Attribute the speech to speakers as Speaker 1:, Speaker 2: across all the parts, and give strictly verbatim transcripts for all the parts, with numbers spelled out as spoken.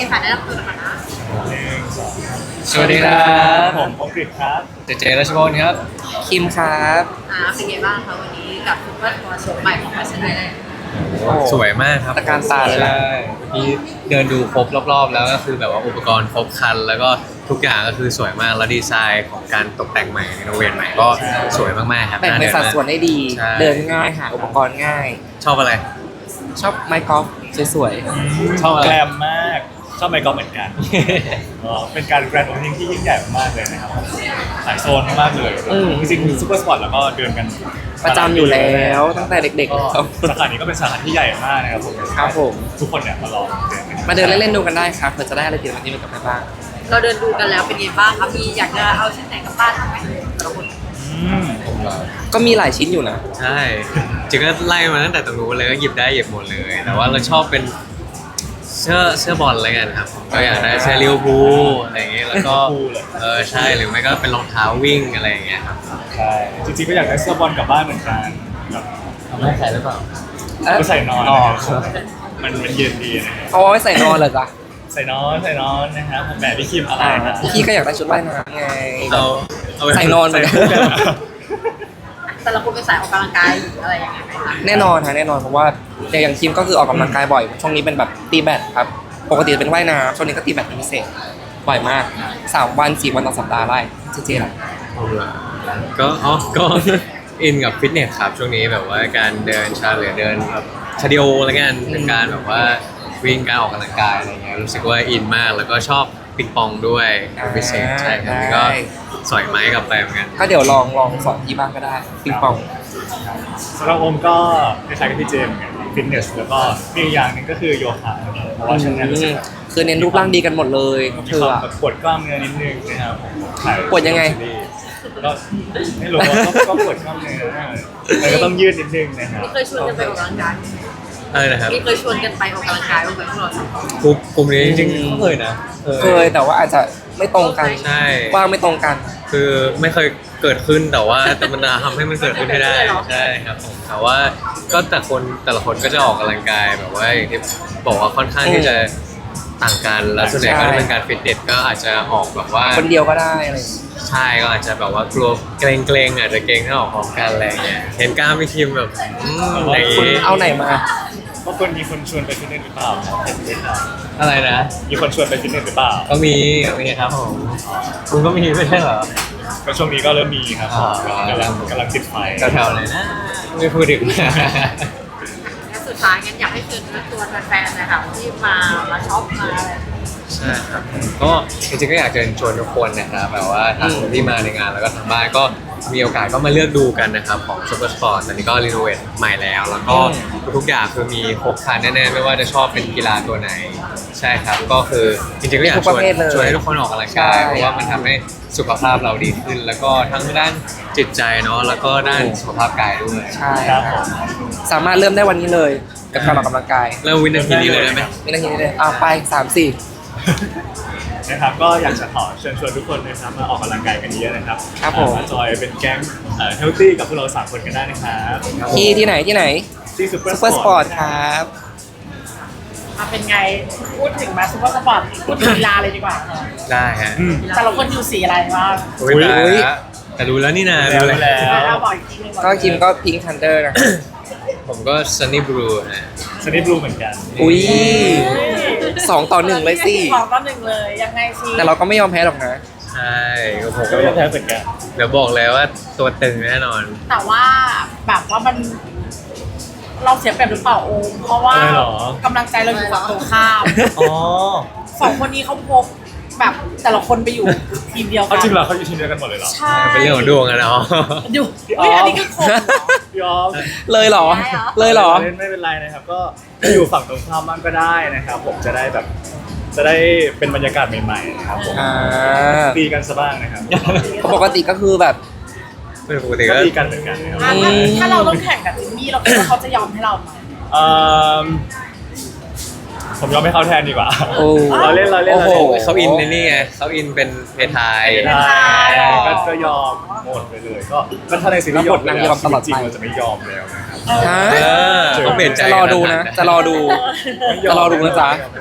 Speaker 1: ค่ะแนะนำตัวกันนะ
Speaker 2: หนึ่งสอง
Speaker 3: สวัสดีครับ
Speaker 2: ผมผมกฤษครับ
Speaker 3: เจเจรัชพลครับ
Speaker 4: คิมครับ
Speaker 1: อ่าเป็นไงบ้างคะวันนี้กับซุปเปอร์ทัวร์โชว์ใหม่ของแฟชั่นไอแลนด์
Speaker 3: สวยมากครับ
Speaker 4: ตะการตาเลยนะ
Speaker 3: ใช่เมื่อกี้เดินดูครบรอบๆ แล้วก็คือแบบว่าอุปกรณ์ครบครัน แล้วก็ทุกอย่างก็คือสวยมากแล้วดีไซน์ของการตกแต่งใหม่รีโนเวทใหม่ก็สวยมากๆครับ
Speaker 4: แบ่งเป็นสัดส่วนได้ดี
Speaker 3: ใช่
Speaker 4: เดินง่ายหาอุปกรณ์ง่าย
Speaker 3: ชอบอะไร
Speaker 4: ชอบไม้กอล์ฟสวย
Speaker 3: ชอบอะไร
Speaker 2: แกรมมากชอบไมค์กอล์ฟเหมือนกันเออเป็นการแกรนด์โอเพนนิ่งที่ยิ่งใหญ่มากเลยนะครับหลายโซนมากเลยจริงๆซูเปอร์สปอร์ตแล้วก็เดินกัน
Speaker 4: ๆ ประจำอยู่แล้วตั้งแต่เด็ก
Speaker 2: ก็
Speaker 4: ๆครับ
Speaker 2: สาขานี้ก็เป็นสาขาที่ใหญ่มากนะครับผม
Speaker 4: ครับผม
Speaker 2: ทุกคนเนี่ยมาลองเดินกัน
Speaker 4: มาเดินเล่นๆดูกันได้ครับเผื่อจะได้อะไรติดไม้ติดมือกลับไปบ้าง
Speaker 1: เราเดินดูกันแล้วเป็นไงบ้างคะมีอยากจะเอาชิ้นไหนกลับบ้านบ้างไหมแต่ละคน
Speaker 2: อืม
Speaker 4: ก็มีหลายชิ้นอยู่นะ
Speaker 3: ใช่จริงก็ไล่มาตั้งแต่ตรงนู้นเลยก็หยิบได้หยิบหมดเลย แต่ว่าเราชอบเป็นเสื้อเสื้อบอลอะไรกันครับก็อยากได้เสื้อลิเวอร์พูลอะไรอย่างเงี้ยแล้วก็เออใช่หรือไม่ก็เป็นรองเท้าวิ่งอะไรอย่างเงี้ยครับ
Speaker 2: ใช่จริงๆก็อยากได้เสื้อบอลกลับบ้านเหมือนกันแบบ
Speaker 3: ทำให้ใส่หรือเปล่า
Speaker 2: ก็ใส่นอน
Speaker 3: อ๋อ
Speaker 2: นะครับมันมันเย็นดีนะครับ
Speaker 4: เอาไว้ใส่นอนเลยจ้ะ
Speaker 2: ใส่นอนใส่นอนนะครับผมแบบพี่คิมอะไรนะ
Speaker 4: พี่ก็อยากได้ชุดว่ายน้ำไง
Speaker 3: เอาเอาไป
Speaker 4: ใส่นอนเหมือนกัน
Speaker 2: ใส่คู่กันเหรอ
Speaker 1: แต่ละคนเป็นสายออกกำลังกายหรืออะไรอย่างเงี้ยไหมคะ
Speaker 4: แน่นอนฮะแน่นอนเพราะว่าอย่างคิมก็คือออกกำลังกายบ่อยช่วงนี้เป็นแบบตีแบดครับปกติเป็นว่ายน้ำช่วงนี้ก็ตีแบดเป็นพิเศษบ่อยมากสามวันสี่วันต่อสัปดาห์ได้เจ๊ๆล่ะ
Speaker 3: เอาละก็อ๋อก็ อินกับฟิตเนสครับช่วงนี้แบบว่าการเดินชาหรือเดินแบบคาร์ดิโออะไรเงี้ยเป็นการแบบว่าวิ่งการออกกำลังกายอะไรเงี้ยรู้สึกว่าอินมากแล้วก็ชอบปิงปองด้วยเป็นพิเศษใช่ครับแล้วก็สอยไม้กลับไปเหมือนกัน
Speaker 4: ก็เดี๋ยวลองลองสอนที่บ้านก็ได้ปิงปอง
Speaker 2: สำหรับโอมก็คล้ายๆกับพี่เจมส์เหมือนกันฟิตเนสแล้วก็มีอีกอย่างหนึ่งก็คือโยคะเพราะว่าช่วงนี้รู้สึก
Speaker 4: คือเน้นรูปร่างดีกันหมดเลย
Speaker 2: มี
Speaker 4: เธ
Speaker 2: ค
Speaker 4: อ
Speaker 2: วาม
Speaker 4: อะ
Speaker 2: แบบปวดกล้ามเนื้อนิดนึงนะครับผมถ่า
Speaker 4: ปวดยังไง
Speaker 2: ก็ไม่รู้ว่าก็ก็ปวดกล้ามเนื้อแต่ก็ต้องยืดนิดนึงนะครับ
Speaker 1: มีเคยชวนกันไปออกกำลังกาย
Speaker 3: อะไรนะครับ
Speaker 1: มีเคยชวนกันไปออกกำลังกายบ้างไหมพวกเราสองคน
Speaker 3: กลุ่มกลุ่มนี้จริงๆก็เคยนะ
Speaker 4: เคยแต่ว่าอาจจะไม่ตรงกัน
Speaker 3: ใช่
Speaker 4: ว่างไม่ตรงกัน
Speaker 3: คือไม่เคยเกิดขึ้นแต่ว่าแต่มันทำให้มันเกิดขึ้นให้ได้ใช่ครับผมแต่ว่าก็แต่คนแต่ละคนก็จะออกกำลังกายแบบว่าอย่างที่บอกว่าค่อนข้างที่จะต่างกันแล้วส่วนใหญ่ก็จะเป็นการฟิตเนสก็อาจจะออกแบบว่า
Speaker 4: คนเดียวก็ได้อะไรอย่างเงี้ย
Speaker 3: ใช่ก็อาจจะแบบว่ากลัวเกรงเกรงๆอาจจะเกรงถ้าออกพร้อมกันอะไรอย่างเงี้ยเห็นกล้ามพี่คิมแบบอืมอย่าง
Speaker 4: คุณ
Speaker 3: งี้
Speaker 4: เอาไหนมา
Speaker 2: บางคนมีคนชวนไปฟิตเนสหรือเปล่าครับเห็นไหมครับ
Speaker 3: อะไรนะ
Speaker 2: มีคนชวนไปฟิตเนสหรือเปล่า
Speaker 3: ก็มีมีครับผมคุณก็มีไม่ใช่เหรอ
Speaker 2: ก็ช่วงนี้ก็เริ่มมีครับ
Speaker 3: อ๋อ
Speaker 2: กำลังกำลังติดไฟ
Speaker 3: แถวๆเลยนะไม่พูดถึง
Speaker 1: และสุดท้ายงั้นอยากให้เชิญตัวแฟนๆนะคะที่มามาช็อปมาอะไร
Speaker 3: ใช่ครับก็จริงๆก็อยากเชิญชวนทุกคนนะครับแบบว่าทางที่มาในงานแล้วก็ทางบ้านก็มีโอกาสก็มาเลือกดูกันนะครับของ Super Sport ตอนนี้ก็รีโนเวทใหม่แล้ว แล้วก็ทุกๆอย่างคือมีครบครันแน่ๆไม่ว่าจะชอบเป็นกีฬาตัวไหนใช่ครับก็คือจริงๆก็อยากชวนชวนให้ทุกคนออกกำลังกายเพราะว่ามันทำให้สุขภาพเราดีขึ้น แล้วก็ทั้งด้านจิตใจเนาะแล้วก็ด้านสุขภาพกายด้วย
Speaker 4: ใช่
Speaker 2: ครับผม
Speaker 4: สามารถเริ่มได้วันนี้เลยกับการออกกำลังกาย
Speaker 3: เริ่มวินาทีนี้เลยได้ไหม
Speaker 4: ไม่ได้ทีนี้เลยอ่ะไปสามสี่
Speaker 2: นะครับก็อยากจะขอเชิญชวนทุกคนนะครับมาออกกำลังกายกันเยอะนะครับ
Speaker 4: ครับผม
Speaker 2: มาจอยเป็นแก๊งเฮลตี้กับพวกเราสามคนกันได้นะครับ
Speaker 4: ที่ที่ไหนที่ไหน
Speaker 2: ที่ซูเปอร์
Speaker 4: ซูเปอร์สปอร์ตครับ
Speaker 5: มาเป็นไงพูดถึงมาซูเปอร์สปอร์ตพูดถึงกีฬาเลยดีกว่าค่ะ
Speaker 3: ได้ฮะ
Speaker 2: อืม
Speaker 5: แต่ละคนอยู่สีอะไรบ้าง
Speaker 3: อุ๊ยตายละแต่รู้แล้วนี่นา
Speaker 2: แล้ว
Speaker 3: รู้
Speaker 2: แล้ว
Speaker 5: เราบอกอีกทีหนึง
Speaker 4: ก็คิมก็พิงคันเดอร์นะ
Speaker 3: ผมก็ Sunny Blue ฮะ
Speaker 2: สนิทบลูเหมือนกัน
Speaker 4: อุ้ยสองต่อหนึ่งเลยสิ
Speaker 5: สองต่อหนึ่งเลยยังไงสิ
Speaker 4: แต่เราก็ไม่ยอมแพ้หรอกนะ
Speaker 3: ใช่ก็ผม
Speaker 2: ก็
Speaker 3: ก็
Speaker 2: ไม่ได้แพ้เหมือนกัน
Speaker 3: เดี๋ยวบอกเลยว่าตัวตึงแน่นอน
Speaker 5: แต่ว่าแบบว่ามัน เราเสียเปรียบหรือเปล่าโอมเพราะว่า
Speaker 2: อะไรหรอก
Speaker 5: ำลังใจเราอยู่ฝั่งตรงข้าม
Speaker 2: อ๋อ
Speaker 5: สองคนนี้เขาพกแบบแต่ละคนไปอยู่ทีมเดียวกั
Speaker 2: เขาจริงเหรอเขาอยู่ทีมเดียวกันหมดเลยเหรอ
Speaker 5: ใช่
Speaker 3: เป็นเรื่องของดวงอะเนาะ
Speaker 5: อยู่เฮ้ยอันนี้คือคนเหรอ
Speaker 2: พี่ออฟ
Speaker 4: เลยเหรอ เลยเหรอ
Speaker 2: เล่นไม่เป็นไรนะครับก็อยู่ฝั่งตรงข้ามบ้างก็ได้นะครับ ผมจะได้แบบจะได้เป็นบรรยากาศใหม่ๆนะครับผม
Speaker 4: อ่า
Speaker 2: ตีกันซะบ้างนะครับ
Speaker 4: ปกติก็คือแบบ
Speaker 3: เป็นปกติ
Speaker 2: ก็
Speaker 3: ก็
Speaker 2: ตีกันเหมือนกันนะครับ
Speaker 5: อ่ะถ้าถ้าเราต้องแข่งกับจิมมี่เราคิดว่าเขาจะยอมให้เราไหม
Speaker 2: เอิ่มผมยอมให้เขาแทนดีกว่า
Speaker 4: โอ้
Speaker 2: เราเล่นเราเล่น
Speaker 4: โอ้
Speaker 2: เรา
Speaker 4: โห
Speaker 2: เล่น
Speaker 3: เขาอินในนี่ไงเขาอินเป็นเพทาย
Speaker 2: ใช่ก็ก็ยอมหมดไปเลยก็ก็ถ้าในซีรีส์ยอมไป
Speaker 4: นาง
Speaker 2: แล้ว
Speaker 4: ยอมตลอด
Speaker 2: จริง
Speaker 4: ไป
Speaker 2: ๆเราจะไม่ยอมแล้วนะครับ
Speaker 4: ฮะ
Speaker 3: เออต้องเปลี่ยนใจ
Speaker 4: จะรอดูนะ จะรอดู จะรอดูนะจ๊ะ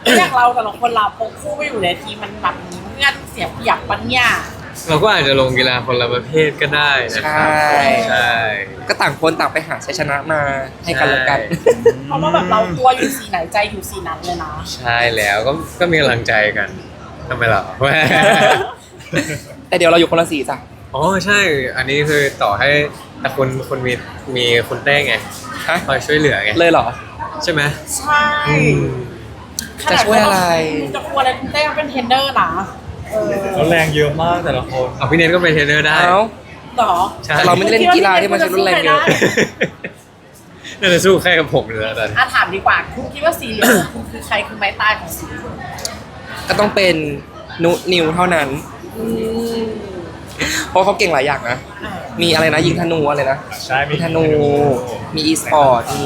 Speaker 5: อย่างเราแต่ละคนเราพกคู่ไปอยู่ในทีมมันแบบมีเพื่อนเสียเปรียบปัญญา
Speaker 3: เราก็อาจจะลงกีฬาคนละประเภทก็ได้นะครับ
Speaker 4: ใช่
Speaker 3: ใช่
Speaker 4: ก็ต่างคนต่างไปหาชัยชนะมาให้กันและกัน
Speaker 5: เพราะว่าแบบเราตัวอยู่สีไหนใจอยู่สีนั้นเลยนะ
Speaker 3: ใช่แล้วก็ก็มีกำลังใจกันทำไมล่ะ
Speaker 4: แต่เดี๋ยวเราอยู่คนละสีจ้ะ
Speaker 3: อ๋อใช่ อันนี้คือต่อให้แต่คุณคุณมีมีคุณเต้ไง
Speaker 4: ฮะ
Speaker 3: คอยช่วยเหลือไง
Speaker 4: เลยเหรอ
Speaker 3: ใช่ไหม
Speaker 5: ใช่
Speaker 3: อืม
Speaker 4: จะช่วยอะไร
Speaker 5: จะกลัวอะไรคุณเต้ก็เป็นเทรนเนอร์นะเออ
Speaker 2: แล้วแรงเยอะมากแต่ละคน
Speaker 3: เอาพี่เนทก็เป็นเทรนเนอร์ได้
Speaker 4: เอ้า
Speaker 5: หรอ
Speaker 3: ใช่
Speaker 4: แต่เราไม่ได้เล่นกีฬาที่มันใช้รุนแรงเยอะ
Speaker 3: น่าจะสู้แค่กับผมเลยนะตอนนี้
Speaker 5: อ่ะถามดีกว่าคุณคิดว่าสีเหลืองคุณคือใครคือไม้ตายของสีเหลือง
Speaker 4: ก็ต้องเป็นนุนิวเท่านั้น
Speaker 5: อืม
Speaker 4: เพราะเขาเก่งหลายอย่างนะ
Speaker 5: อ่ะ
Speaker 4: มีอะไรนะยิงธนูอะไรนะ
Speaker 2: ใช่มี
Speaker 4: มีธนู มีอีสปอร์ต มี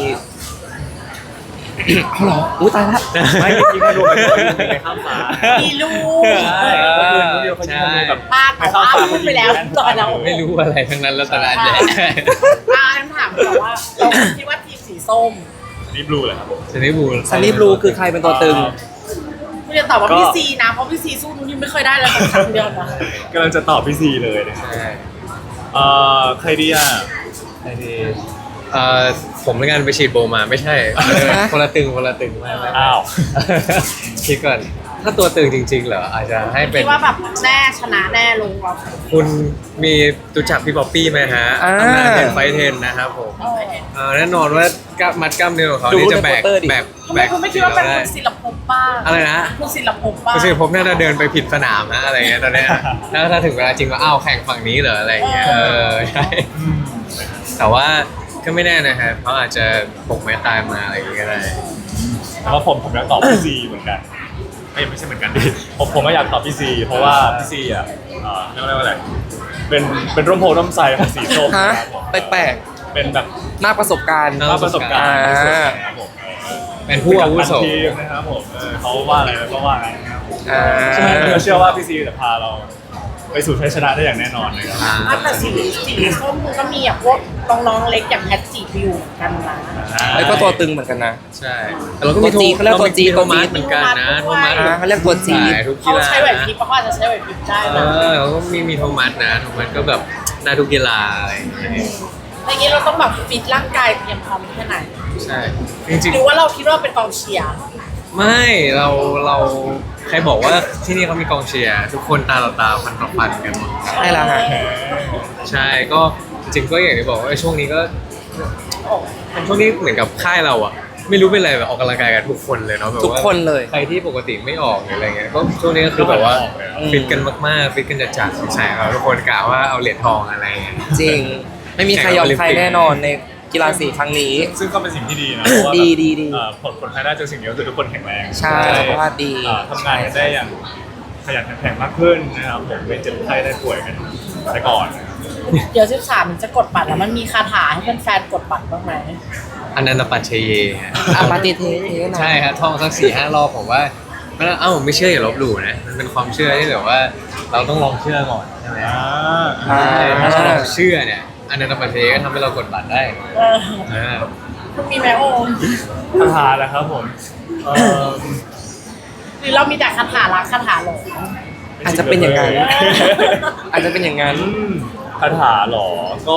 Speaker 4: เอาเหรออุ้ยตายละ
Speaker 2: ไม่ยิงธนูไปก็ยิงไปข้ามฟ้า
Speaker 5: มีลูก
Speaker 2: ใช่ก็คือนุ้ยเดียวเขายิงธนูแบบ
Speaker 5: พลาดแต่ว่าพูดไปแล้วตอนเรา
Speaker 3: ไม่รู้อะไรทั้งนั้นแล้วตอนนั้นเนี่ย
Speaker 5: อ่าคำถามแบบว่าเราคิดว่าทีมสีส้ม
Speaker 2: นี่บลูเลยครับผม
Speaker 3: ซันนี่บูล
Speaker 4: ซันนี่บลูคือใครเป็นตัวตึง
Speaker 5: คุณจะตอบว่าพี่ซีนะเพราะพี่ซีสู้นุ่นยังไม่เคยได้เลยสักครั้งเดียวนะ
Speaker 2: กำลังจะตอบพี่ซีเลยนะครับ
Speaker 3: ใช่
Speaker 2: เอ่อใครดีอ่ะ
Speaker 3: ไอ้ที่เอ่อผมในงานไปฉีดโบมาไม่ใช่เออคนละตึงคนละตึงไม่ไม่ไม่
Speaker 2: อ้าว
Speaker 3: คิดก่อนถ้าตัวตึงจริงๆเหรออาจจะให้เป็
Speaker 5: คิ
Speaker 3: น
Speaker 5: ดว่าแบบแน่ชนะแน่ลงเรา
Speaker 3: คุณมีรู้จักพี่ป๊อปปี้ไหมฮะ
Speaker 4: อ่า
Speaker 3: ทำงานเทนไฟเทนนะครับผมเอ่อแน่นอนว่ากล้ามมัดกล้ามเนื้อของเขา
Speaker 4: ดู
Speaker 3: นี่จะแบก
Speaker 4: ในโปสเตอร์ดิ
Speaker 3: แบก
Speaker 5: ทำ
Speaker 3: แบ
Speaker 5: ไม
Speaker 3: ก
Speaker 5: คุณไม่คิดว่าเป็น
Speaker 3: ได้
Speaker 5: คุณศิลปภพบ้าง
Speaker 3: อะไรนะ
Speaker 5: คุณศิลปภพบ้าง
Speaker 3: ก็คือผมน่าจะเดินไปผิดสนามนะอะไรเงี้ยตอนเนี้ยแล้วถ้าถึงเวลาจริงก็อ้าวแข่งฝั่งนี้เหรออะไรเงี้ยเออใช่แต่ว่าก็ไม่แน่นะฮะเขาอาจจะปกไม้ตายมาอะไรอย่างเงี้ยก็ได้
Speaker 2: แต่ว่าผมผมอยากตอบพี่ซีเหมือนกันไม่ไม่ใช่เหมือนกันดิผมผมก็อยากตอบพี่ซีเพราะว่าพี่ซีอ่ะเอ่อเรียกว่าอะไรเป็นเป็นร่มโพร่มไทรของสีส้ม
Speaker 4: ฮะ
Speaker 2: นะครับผม
Speaker 4: แปลก
Speaker 2: เป็นแบบ
Speaker 4: ๆมากประสบการณ์
Speaker 2: มากประสบการณ์
Speaker 4: อ่า
Speaker 2: ที่สุดนะครับผมเออ
Speaker 3: เป็นผู้อาวุโส
Speaker 2: เป็นกัปตันทีมนะครับผมเออเขาว่าอะไรเราก็ว่าอะไรนะครับผม
Speaker 4: อ่า
Speaker 2: ใช่ไหมเราเชื่อว่าพี่ซีจะพาเราไปสู่ชัยชนะได้อย่างแน่นอนเลยครับ
Speaker 3: อ่า
Speaker 5: อ่ะแต่สีสีส้มมันก็มีแบบพวกน้องๆเล็กอย่างแพทจีไปอยู่เหมือนกันนะ
Speaker 4: แล้วก็ตัวตึงเหมือนกันนะ
Speaker 3: ใช่แต่เราก็มี
Speaker 4: ตัวจีเขาเรียกตัวจี
Speaker 3: โท
Speaker 4: ตัวจี
Speaker 3: มัสเหมือนกันนะโทมัส
Speaker 4: อ่าเขาเรียกตัวจี
Speaker 3: สายทุกกี
Speaker 5: เขา
Speaker 3: ฬา
Speaker 5: ใช้ไหวพริบเพราะเขาอาจจะใช้ไหวพริบได้
Speaker 3: เอ
Speaker 5: นะ
Speaker 3: อเขาก็มีมีโทมัสนะโทมัสก็แบบได้ทุกกีฬาอะไรอย่างเงี้ย
Speaker 5: อย่างนี้เราต้องแบบฟิตร่างกายเตรียมพร้อมแค่ไหน
Speaker 3: ใช่จริง
Speaker 5: หรือว่าเราคิดว่าเป็นกองเชียร์
Speaker 3: ๆไม่เราเราใครบอกว่าที่นี่เขามีกองเชียร์ทุกคนตาต่อตาฟันต่อฟันกันหมด
Speaker 4: ใช่แล้วฮะ
Speaker 3: ใช่ก็จริงๆก็อย่างที่บอกว่าช่วงนี้ก็เป็นช่วงนี้เหมือนกับค่ายเราอะไม่รู้เป็นอะไรแบบออกกำลังกายกันทุกคนเลยเนาะแบบว่า
Speaker 4: ทุกคนเลย
Speaker 3: ใครที่ปกติไม่ออกหรืออะไรเงี้ยก็ช่วงนี้ก็คือแบบว่าฟิตกันมากๆฟิตกันจัดๆใช่ครับทุกคนกะว่าเอาเหรียญทองอะไรเงี้ย
Speaker 4: จริง ไม่มีใครยอมใครแน่นอนในกีฬาสีครั้งนี้
Speaker 2: ซึ่งก็เป็นสิ่งที่ดีนะเพราะว่า
Speaker 4: ดีดีดี
Speaker 2: เอ่อผลผลภายได้จากสิ่งนี้ก็คือทุกคนแข็งแรง
Speaker 4: ใช่สุขภาพดี
Speaker 2: เอ่อทำงานกันได้อย่างขยันขันแข็งมากขึ้นนะครับผมไม่เจ็บไข้ได้ป่วยกันแต่ก่อนนะครับ
Speaker 5: เดี๋ยวสิบสามมันจะกดบัตรแล้วมันมีคาถาให้แฟนๆกดบัตรบ้างไหม
Speaker 3: อันนันตปัจเชเยฮะ
Speaker 4: อาปาติเทเทนะ
Speaker 3: ใช่ครับท่องสักสี่ห้ารอบผมว่าไม่ต้องเอ้าไม่เชื่ออย่าลบหลู่นะมันเป็นความเชื่อที่แบบว่าเราต้องลองเชื่อก่อนใช่ไหม
Speaker 2: อ่า
Speaker 3: ใช่ถ้าเราลองเชื่อเนี่ยอันนันตปัจเชเยก็ทำให้เรากดบัตรได้
Speaker 5: เออ
Speaker 3: อ่า
Speaker 5: คุณมีไหมโอม
Speaker 2: คาถาแหละครับผมเอ่อ
Speaker 5: หรือเรามีแต่คาถารักคาถาหลง
Speaker 4: อาจจะเป็นอย่างนั้น อาจจะเป็นอย่างนั้น
Speaker 2: อืมคาถาเหรอก็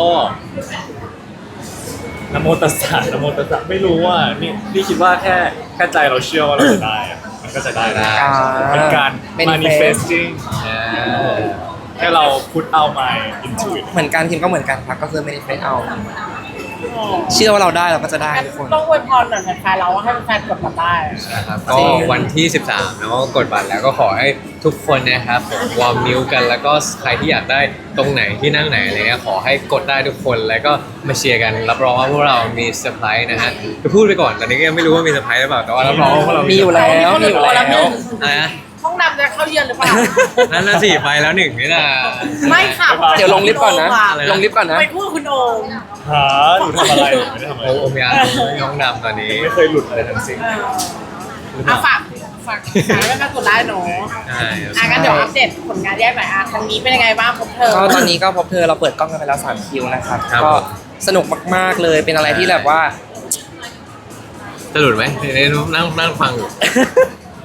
Speaker 2: นะโมตัสสะนะโมตัสสะไม่รู้ว่านี่นี่คิดว่าแค่แค่ใจเราเชื่อว่าเราจะได้อะมันก็จะได้นะ
Speaker 4: อ่า
Speaker 2: เป็นการ
Speaker 4: manifest
Speaker 2: manifesting
Speaker 3: อ่า
Speaker 2: แค่เรา put out my into it
Speaker 4: เหมือนกันทีมก็เหมือนกันครับก็คือไม่ได้เฟซเอา เชื่อว่าเราได้เราก็จะได้
Speaker 5: งั้น
Speaker 4: ทุกคน
Speaker 5: ต้องอวยพรหน่อยแฟนๆเราว่าให้แฟนๆกดบัตรได้
Speaker 3: นะครับก็วันที่สิบสามเนาะกดบัตรแล้วก็ขอให้ทุกคนนะครับผมวอร์มนิ้วกันแล้วก็ใครที่อยากได้ตรงไหนที่นั่งไหนอะไรเงี้ยขอให้กดได้ทุกคนแล้วก็มาเชียร์กันรับรองว่าพวกเรามีเซอร์ไพรส์นะฮะจะพูดไปก่อนตอนนี้ก็ยังไม่รู้ว่ามีเซอร์ไพรส์หรือเปล่าแต่ว่ารับรองว่าพวกเรา
Speaker 4: มี
Speaker 3: มี
Speaker 4: อยู่แล้ว
Speaker 5: มี
Speaker 4: มีอยู่
Speaker 5: คนละ
Speaker 4: แล้ว
Speaker 5: หนึ่ง
Speaker 3: อะไรนะ
Speaker 5: ห้องดำจะเข้าเยือนหรือเปล่า
Speaker 3: นั่นน่ะสิไปแล้วหนึ่งนี่นะ
Speaker 5: ไม่ค่ะ
Speaker 4: เดี๋ยวลงลิฟต์ก่อนนะ
Speaker 3: อะไรนะ
Speaker 4: ลงลิฟต์ก่อนนะ
Speaker 5: ไปพูดคุณโอม
Speaker 2: หาหนูทำอะไรหนูไม่ได้ทำอะไร
Speaker 3: โอ้โอมยาน้องดำตอนนี้
Speaker 2: ไม่เคยหลุดอะไรทั้งสิ้น
Speaker 5: เอออ่ะฝากฝากฝากให้แฟนๆกดได้หนู
Speaker 3: ใช่ครับ
Speaker 5: อ่ะงั้นเดี๋ยวอัปเดตผลงานแยกหน่อยอ่ะครั้งนี้เป็นยังไงบ้างพบเธอ
Speaker 4: ก็ตอนนี้ก็พบเธอเราเปิดกล้องกันไปแล้วสามคิวนะครับ
Speaker 3: ครับ
Speaker 4: ก็สนุกมากๆเลยเป็นอะไรที่แบบว่า
Speaker 3: จะหลุดไหมเดี๋ยวนั่งนั่งฟังอยู่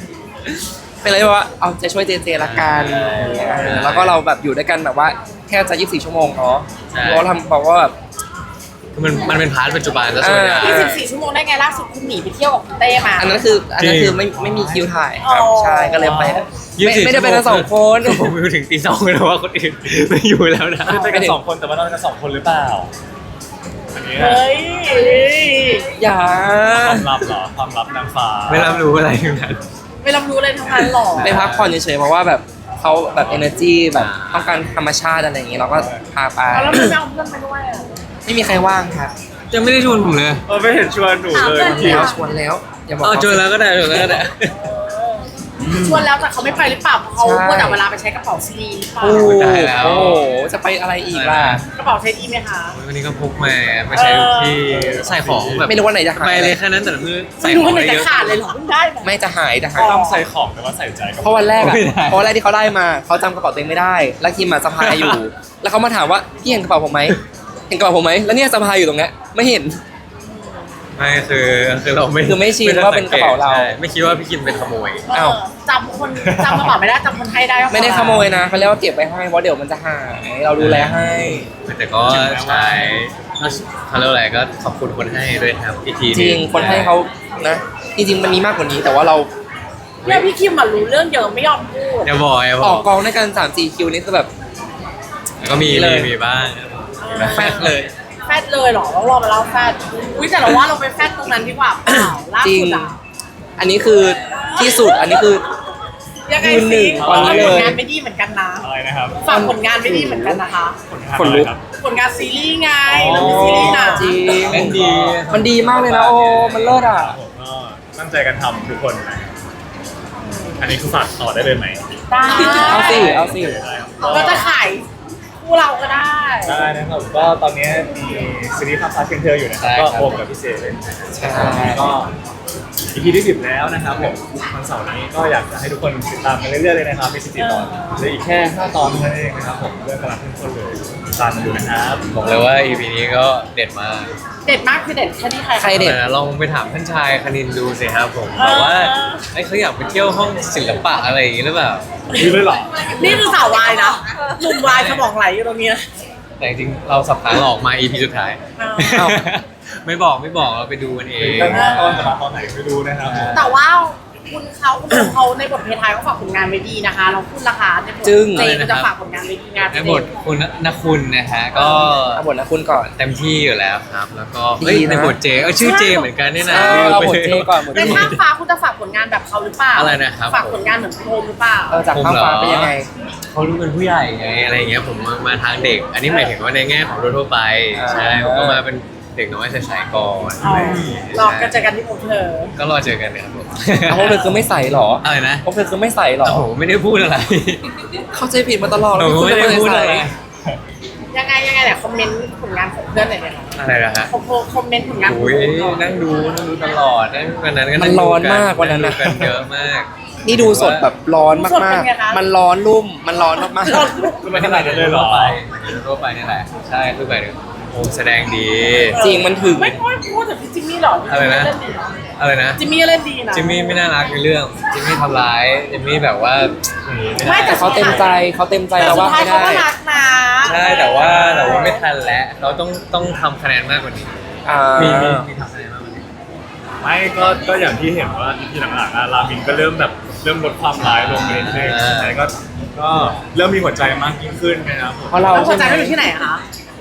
Speaker 4: เป็นเลยว่าเอาใจช่วยเจเจละกันเออแล้วก็เราแบบอยู่ด้วยกันแบบว่าแค่จะยี่สิบสี่ชั่วโมงเนาะเราทำบอกว่าแบบ
Speaker 3: คือมันมันเป็นพาร์ทปัจจุบันซะส่วนใหญ่
Speaker 5: ยี่สิบสี่ชั่วโมงได้ไงล่าสุดคุณหนีไปเที่ยวกับคุณเต้มา
Speaker 4: อันนั้นคืออันนั้นคือไม่ไม่มีคิวถ่ายครับ
Speaker 5: อ๋อ
Speaker 4: ใช่ก็เลยไป
Speaker 3: ยี่สิบสี่
Speaker 4: ไม่ไม่ได้ไปกันสองคน
Speaker 3: ผมอยู่ถึงตีสองเลยนะว่าคนอื่นไม่อยู่แล้วนะ
Speaker 2: ไม่ได้ไปกันสองคนแต่ว่านอนกันสองคนหรือเปล่าอันนี้
Speaker 5: เฮ้ย
Speaker 4: อย่า
Speaker 2: ความลับเหรอความลับนางฟ้า
Speaker 3: ไม่รับรู้อะไรทั้งนั้น
Speaker 5: ไม่รับรู้เลยทั้งนั้นหรอ
Speaker 4: ไปพักผ่อนเฉยๆเพราะว่าแบบเขาแบบ energy แบบ
Speaker 3: อ่า
Speaker 4: ต้องการธรรมชาติอะไรอย่างงี้เราก็พาไป
Speaker 5: เอาแล้วไม่เอาเพื่อนไปด้วยอะ
Speaker 4: ไม่มีใครว่างครับ
Speaker 3: ยังไม่ได้ชวนผมเลย
Speaker 2: เออไม่เห็นชวนหนูเลย
Speaker 5: ถาม
Speaker 2: จริง
Speaker 5: เพื่
Speaker 4: เรา
Speaker 5: อน
Speaker 4: ชวนแล้วอย่าบอก
Speaker 3: อ๋อชวนแล้วก็ได้ชวนแล้วก็ได้
Speaker 5: ชวนแล้วแต่เขาไม่ไปหรือเปล่าเพราะเขา
Speaker 4: ใช่
Speaker 5: ควรแต่เวลาไปใช้กระเป๋าซีดีหรือเปล่า
Speaker 4: โอ้โห
Speaker 3: ได้แล้ว
Speaker 4: โอ้โหจะไปอะไรอีกล่ะ
Speaker 5: กระเป๋าใช้ดีไหมคะ
Speaker 3: วันนี้ก็พกมาไม่ใช่ทุกที่ใส่ของแบบ
Speaker 4: ไม่รู้ว่าไหนจะหาย
Speaker 3: ไปเลยแค่นั้นแต่ละมือใส่
Speaker 5: ไม่
Speaker 3: ข
Speaker 5: รู้
Speaker 3: อง
Speaker 5: ว่าไหน
Speaker 3: ได้เย
Speaker 5: จะ
Speaker 3: อะ
Speaker 5: ขาดเลยเหรอเพิ่งได้มา
Speaker 4: ไม่จะหายจะหาย
Speaker 2: ต้องใส่ของแต่ว่าใส่ใจกับ
Speaker 4: เพราะวันแรกอะ
Speaker 3: ไม่ได้
Speaker 4: เพราะวันแรกที่เขาได้มาเขาจำกระเป๋าตัวเองไม่ได้ แล้วคิมมาสะพายอยู่ แล้วเขามาถามว่าพี่เห็นกระเป๋าผมไหมเห็นกระเป๋าผมไหมแล้วเนี่ยสะพายอยู่ตรงเนี้ยไม่เห็น
Speaker 3: ไม่คือคือเราไม่
Speaker 4: คือไม่ชิน
Speaker 3: ด้
Speaker 4: ว่าเป็นกระเป๋าเรา
Speaker 3: ใช่ไม่คิดว่าพี่คิมเป็นขโมย
Speaker 4: อ้าว
Speaker 5: เออจำคนจำกระเป๋าไม่ได้จำคนให้ได้ว่า
Speaker 4: ไม่ได้ขโมยนะเขาเรียกว่าเก็บไว้ให้เพราะเดี๋ยวมันจะหายเราดูแลให้
Speaker 3: แต่ก็ใช้เขาเรียกว่าอะไรก็ขอบคุณคนให้ด้วยครับอีกทีห
Speaker 4: จ
Speaker 3: นึ่
Speaker 4: ริงคนให้เขานะจริงๆมันมีมากกว่านี้แต่ว่าเรา
Speaker 5: เนี่ยพี่คิมมารู้เรื่องเยอะไม่ยอมพูด
Speaker 3: อย่าบอกอย่าบ
Speaker 4: อ
Speaker 3: อ
Speaker 4: อก กกองด้วยกันสามสี่คิวนี่คือแบบ
Speaker 3: ก็มี
Speaker 4: เล
Speaker 3: มี
Speaker 4: ย
Speaker 3: มีบ้าง
Speaker 4: แฟดเลย
Speaker 5: แฟดเลยเหรอต้องรอมาเล่าแฟดอุ้ยแต่เราว่าเราไปแฟดตรงนั้นดีกว่าเปล่าล่า
Speaker 4: จริง
Speaker 5: สุดอะ
Speaker 4: อันนี้คือที่สุดอันนี้คือ
Speaker 5: ยังไง
Speaker 4: ยืนหนึ่
Speaker 5: สิ
Speaker 4: งตอนนี้เลย
Speaker 5: ผลงานไม่ดีเหมือนกันนะ
Speaker 2: อะไรนะครับ
Speaker 5: ฝากผลงานไม่ดีเหมือนกันนะคะ
Speaker 4: ขนลุก
Speaker 2: ครับ
Speaker 5: ผลงานซีรีส์ไงเรามีซีรีส์นะ
Speaker 4: จริง
Speaker 3: เล่นดี
Speaker 4: มันดีมากเลยนะโอ้มันเลิศอ่ะ
Speaker 2: ผมก็ตั้งใจกันทำทุกคนนะครับอันนี้คือฝากต่อได้เลยไหม
Speaker 5: ได้
Speaker 4: เอาสิเอาสิ
Speaker 2: ได้ครับ
Speaker 5: ก็จะขายคู่เราก็ได้
Speaker 2: ได้นะครับก็ตอนนี้มีซีรีส์ภาพพาเชียงเธออยู่นะครับก็โอมกับพี่เซเล่นนะครับ
Speaker 4: ใช่
Speaker 2: ก็ อี พี ที่สิบแล้วนะครับผมวันเสาร์นี้ก็อยากจะให้ทุกคนติดตามกันเรื่อยๆเลยนะครับมีสิบสี่ตอนเหลืออีกแค่ห้าตอนเท่านั้นเองนะครับผมเรื่องกำลังเข้มข้นเลยติดตามกันดูนะครับ
Speaker 3: บอกเลยว่า อี พี นี้ก็เด็ดมาก
Speaker 5: เด็ดมากคือเด็ดแค่ที่ใคร
Speaker 4: ใครเด็ด
Speaker 3: ลองไปถามท่านชายคณินดูสิครับผมแบบว่าไอ้เขาอยากไปเที่ยวห้องศิลปะอะไรอย่างงี้หรือเปล่า
Speaker 2: มีเลยเหรอ
Speaker 5: นี่คือสาววายนะหนุ่มวายสมองไหลอยู่ตรงนี้นะ
Speaker 3: แต่จริงๆเราสับขาหลอกมา อี พี สุดท้าย
Speaker 5: อ้าว
Speaker 3: ไม่บอกไม่บอกเราไปดูกันเอง
Speaker 2: ตั้งห้าตอนจะมาตอนไหนไม่รู้นะครับ
Speaker 5: แต่ว่าคุณเขาคุณโอมเขาในบทเพลงไทยเขาฝากผลงานไว้ดีนะคะ เราพูดราคาในบท
Speaker 4: จึ้ง
Speaker 5: เจก็จะฝากผลงานไว้ดีงาน
Speaker 3: ในบทคุณนคุณนะฮะก็
Speaker 4: เอาบทนะคุณก่อน
Speaker 3: เต็มที่อยู่แล้วครับ แล้วก็
Speaker 4: ดีนะ
Speaker 3: เฮ้ยในบทเจเออชื่อเจเหมือนกันนี่นะ
Speaker 4: เออเอาบทเจก่อนบท
Speaker 5: ในข้างฟ้าคุณจะฝากผลงานแบบเขาหรือเปล่า
Speaker 3: อะไรนะครับ
Speaker 5: ฝากผลงานเหมือนคุณโอมหรือเปล่า
Speaker 4: เออจากข้างฟ้าเป็นยังไง
Speaker 3: เขาดูเป็นผู้ใหญ่ไงอะไรอย่างเงี้ยผมมามาทางเด็ก อันนี้หมายถึงว่าในแง่ของทั่วๆไป
Speaker 4: อ่า
Speaker 3: ใช่ผมก็มาเป็นเด็กน้อยชายๆก่อน
Speaker 5: อ๋อรอกันเจอกันที่ผมเธอ
Speaker 3: ก็รอเจอกันนะครับผม
Speaker 4: เอาพวกเธอคือไม่ใส่หรอ
Speaker 3: อะไรนะ
Speaker 4: พวกเธอคือไม่ใส่หรอ
Speaker 3: โอ้โหไม่ได้พูดอะไร
Speaker 4: เข้าใจผิดมาตลอด
Speaker 3: หนู
Speaker 4: คุณ
Speaker 3: ไม่ได้พูดอะไร
Speaker 4: ใส่
Speaker 5: ยังไงยังไงเนี่ยคอมเมนต์ผลงานของเพื่อนหน่อยเนี่ย
Speaker 3: อะไรนะฮะ
Speaker 5: คอมคอมเมนต์ผลงานของ
Speaker 3: อุ้ย
Speaker 5: โอมหน่อย
Speaker 3: นั่งดูนั่งดูตลอดนั่งวันนั้นก็
Speaker 4: มั
Speaker 3: นั่
Speaker 4: น
Speaker 3: ง
Speaker 4: ร้อน
Speaker 3: ดู
Speaker 4: มากวันนั้น
Speaker 3: ดู
Speaker 4: นะ
Speaker 3: กันเยอะมาก
Speaker 4: นี่ดูสดแบบร้อนมากๆ มันร้อนรุ่ม มันร้อนมาก
Speaker 2: คือมันขนาดนั้นเลยเหรอ
Speaker 3: ทั่วไปทั่วไปนี่แหละ ใช่คือไปถึงโอมแสดงดี
Speaker 4: ๆ จริงมันถึง
Speaker 5: ไม่ค่อยพูดแต่พี่จิมมี่หรอ
Speaker 3: อะไรนะ
Speaker 5: เล่นดีนะ
Speaker 3: อะไรนะ
Speaker 5: จิมมี่เล่นดีนะ
Speaker 3: จิมมี่ไม่น่ารักในเรื่อง จิมมี่ทำร้าย จิมมี่แบบว่า
Speaker 5: ไม่แต่
Speaker 4: แต่เขาเต็มใจเขาเต็มใจ
Speaker 5: แต่
Speaker 4: แล้ว
Speaker 5: สุด
Speaker 4: ว่า
Speaker 5: ท้าย
Speaker 4: ไม่
Speaker 5: เขา
Speaker 4: ได้
Speaker 5: ก็รักนะ
Speaker 3: ใช่แต่ว่าแต่ว่าไม่ทันแล้วเขาต้องต้องทำคะแนนมากกว่านี้
Speaker 4: อ่า
Speaker 3: มีมีมีทำคะแนนมากกว่านี้
Speaker 2: ไม่ก็ก็อย่างที่เห็นว่าอีพีหลังๆอะรามินก็เริ่มแบบเริ่มลดความร้ายลงไปเรื่อยๆแต่ก็ก็เริ่มมีหัวใจมากยิ่งขึ้นนะครับผม
Speaker 4: เพราะเรา
Speaker 5: แล้วหั
Speaker 4: ใช่
Speaker 5: วใจ
Speaker 4: ไหม
Speaker 5: เขาอยู่ที่ไหนอะคะ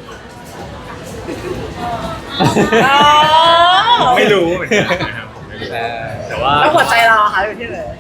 Speaker 2: ไม่รู้เหมือนกันนะครับผมไม่รู้
Speaker 3: เออ
Speaker 2: แต่ว่า
Speaker 5: แล้วหัวใจเราอะคะอยู่ที่ไหน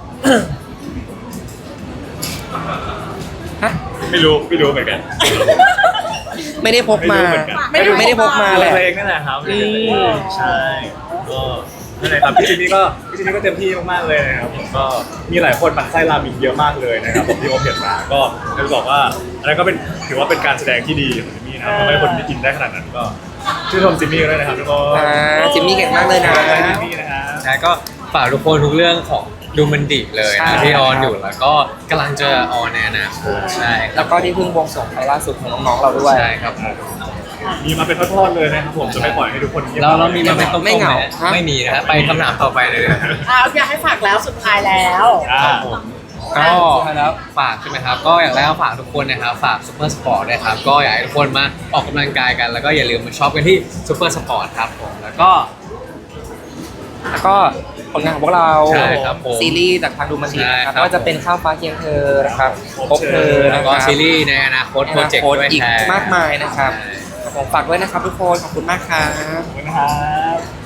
Speaker 4: ฮะ
Speaker 2: ไม่รู้ไม่รู้เหมือนกัน
Speaker 4: ไม่ได้พกมา
Speaker 2: ไรู้เหอนกัน
Speaker 4: ไม่ได้ไม่ได้พกมาแหละ
Speaker 2: เพลงนั่นแหละครับ
Speaker 4: อืม
Speaker 2: ใช่ก็นั่นแหละครับพี่จิมมี่ก็พี่จิมมี่ก็เต็มที่มากๆเลยนะครับผมก็มีหลายคนหมั่นไส้รามินเยอะมากเลยนะครับผมที่โอมเห็นมาก็จะบอกว่าอันนั้นก็เป็นถือว่าเป็นการแสดงที่ดีของจิมมี่นะครับทำให้คนได้กินได้ขนาดนั้นก็ชื่นชมจิมมี่ด้วยนะครับทุกคน
Speaker 4: อ่าจิมมี่เก่งมากเลยนะ
Speaker 2: ขอบคุณจิมมี่นะครับ
Speaker 3: ใช่ก็ฝากทุกคนทุกเรื่องของดูมันดิเลย
Speaker 4: ใช่
Speaker 3: นะที่ออนอยู่แล้วก็กำลังจะออนในอนาคตใช่ค
Speaker 4: แล้
Speaker 3: รับ
Speaker 4: วก็ที่เพิ่งบวงสรวงไปล่าสุดของน้องๆเราด้วย
Speaker 3: ใช่ครับผม
Speaker 2: มีมาเป็นทอดๆเลยนะครับผมจะไม่ปล่อยให้ทุกคนงียบ
Speaker 3: เราเรามีมาเป็นต้มๆ
Speaker 4: ไม่เหงา
Speaker 3: ไหมไม่มีนะฮะไปคำถามต่อไปเลย
Speaker 5: อ่าอยากให้ฝากแล้วสุดท้ายแล้ว
Speaker 2: อ่า
Speaker 3: ครับผมก็แล้วฝากใช่ไหมครับ ก็อย่างแรกก็ฝากทุกคนนะครับ ฝากซูเปอร์สปอร์ตนะครับ ก็อยากให้ทุกคนมาออกกำลังกายกัน แล้วก็อย่าลืมมาช็อปกันที่ซูเปอร์สปอร์ตครับผม แล้วก็
Speaker 4: แล้วก็ผลงานของพวกเรา
Speaker 3: ใช่ครับผม
Speaker 4: ซีรีส์จากทางดูมันดีนะ
Speaker 3: ใช่
Speaker 4: ค
Speaker 3: ครั
Speaker 4: รับบ ก็จะเป็นข้าวฟ้าเคียงเธอนะครับพบเธอ
Speaker 3: แล้
Speaker 4: นะ
Speaker 3: ว
Speaker 4: ค
Speaker 3: ก็
Speaker 4: รับ
Speaker 3: ซีรีส์ในอนาคตโปรเจกต์ด้วย
Speaker 4: อีก
Speaker 3: แทน
Speaker 4: มากมายนะครับผมฝากด้วยนะครับทุกคนขอบคุณมากครับ
Speaker 2: ขอบคุณครับ